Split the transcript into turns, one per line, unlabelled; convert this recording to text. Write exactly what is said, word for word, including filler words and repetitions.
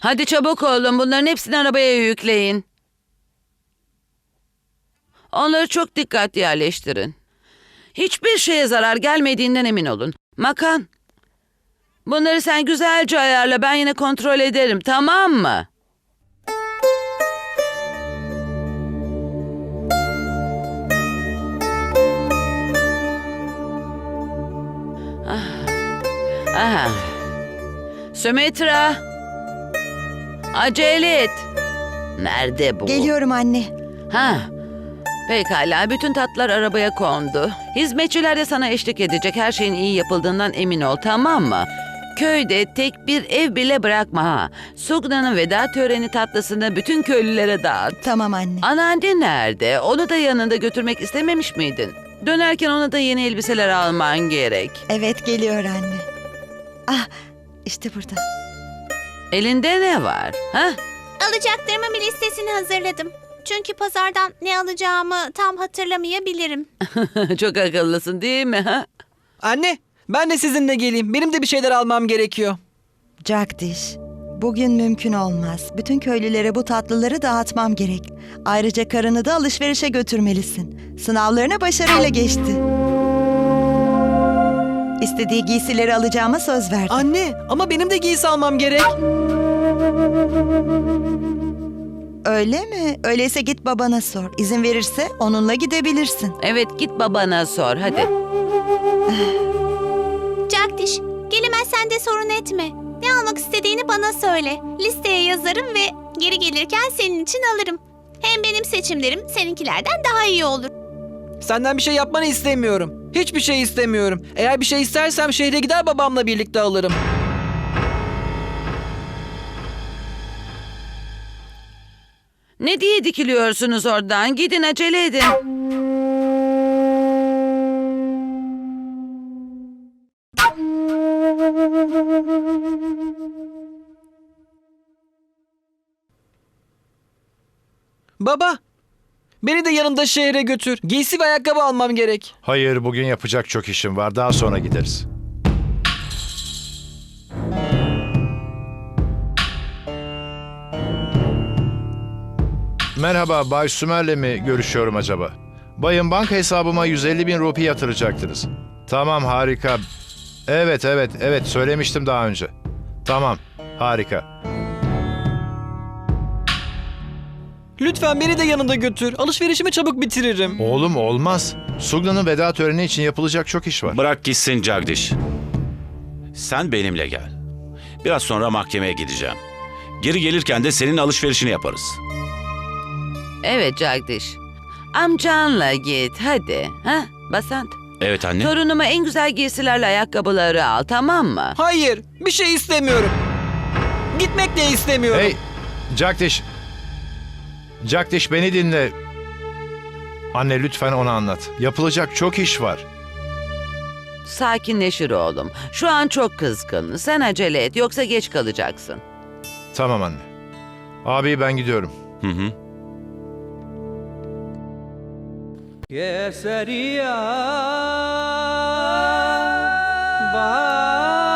Hadi çabuk olun, bunların hepsini arabaya yükleyin. Onları çok dikkatli yerleştirin. Hiçbir şeye zarar gelmediğinden emin olun. Makan, bunları sen güzelce ayarla, ben yine kontrol ederim, tamam mı? Ah. Aha. Sümeytra, acele et. Nerede bu?
Geliyorum anne.
Ha. Pekala, bütün tatlar arabaya kondu. Hizmetçiler de sana eşlik edecek. Her şeyin iyi yapıldığından emin ol, tamam mı? Köyde tek bir ev bile bırakma ha. Sugna'nın veda töreni tatlısını bütün köylülere dağıt.
Tamam anne.
Anneannen nerede? Onu da yanında götürmek istememiş miydin? Dönerken ona da yeni elbiseler alman gerek.
Evet, geliyor anne. Ah, işte burada.
Elinde ne var? Ha?
Alacaklarımın bir listesini hazırladım. Çünkü pazardan ne alacağımı tam hatırlamayabilirim.
Çok akıllısın değil mi? Ha?
Anne, ben de sizinle geleyim. Benim de bir şeyler almam gerekiyor.
Jagdish, bugün mümkün olmaz. Bütün köylülere bu tatlıları dağıtmam gerek. Ayrıca karını da alışverişe götürmelisin. Sınavlarına başarıyla geçti. İstediği giysileri alacağıma söz verdim.
Anne, ama benim de giysi almam gerek.
Öyle mi? Öyleyse git babana sor. İzin verirse onunla gidebilirsin.
Evet, git babana sor hadi.
Jagdish, gelemezsen de sorun etme. Ne almak istediğini bana söyle. Listeye yazarım ve geri gelirken senin için alırım. Hem benim seçimlerim seninkilerden daha iyi olur.
Senden bir şey yapmanı istemiyorum. Hiçbir şey istemiyorum. Eğer bir şey istersem şehre gider babamla birlikte alırım.
Ne diye dikiliyorsunuz oradan? Gidin, acele edin.
Baba, beni de yanında şehre götür. Giysi ve ayakkabı almam gerek.
Hayır, bugün yapacak çok işim var. Daha sonra gideriz. Merhaba, Bay Sümer'le mi görüşüyorum acaba? Bayım, banka hesabıma yüz elli bin rupi yatıracaktınız. Tamam, harika. Evet, evet, evet, söylemiştim daha önce. Tamam, harika.
Lütfen beni de yanında götür. Alışverişimi çabuk bitiririm.
Oğlum, olmaz. Sugna'nın veda töreni için yapılacak çok iş var.
Bırak gitsin Jagdish. Sen benimle gel. Biraz sonra mahkemeye gideceğim. Geri gelirken de senin alışverişini yaparız.
Evet Jagdish. Amcanla git hadi. Ha? Basant.
Evet anne.
Torunuma en güzel giysilerle ayakkabıları al, tamam mı?
Hayır, bir şey istemiyorum. Gitmek de istemiyorum.
Hey, Jagdish. Jagdish, beni dinle. Anne, lütfen ona anlat. Yapılacak çok iş var.
Sakinleşir oğlum. Şu an çok kızgın. Sen acele et, yoksa geç kalacaksın.
Tamam anne. Abi, ben gidiyorum.
Hı hı.
केसरिया बा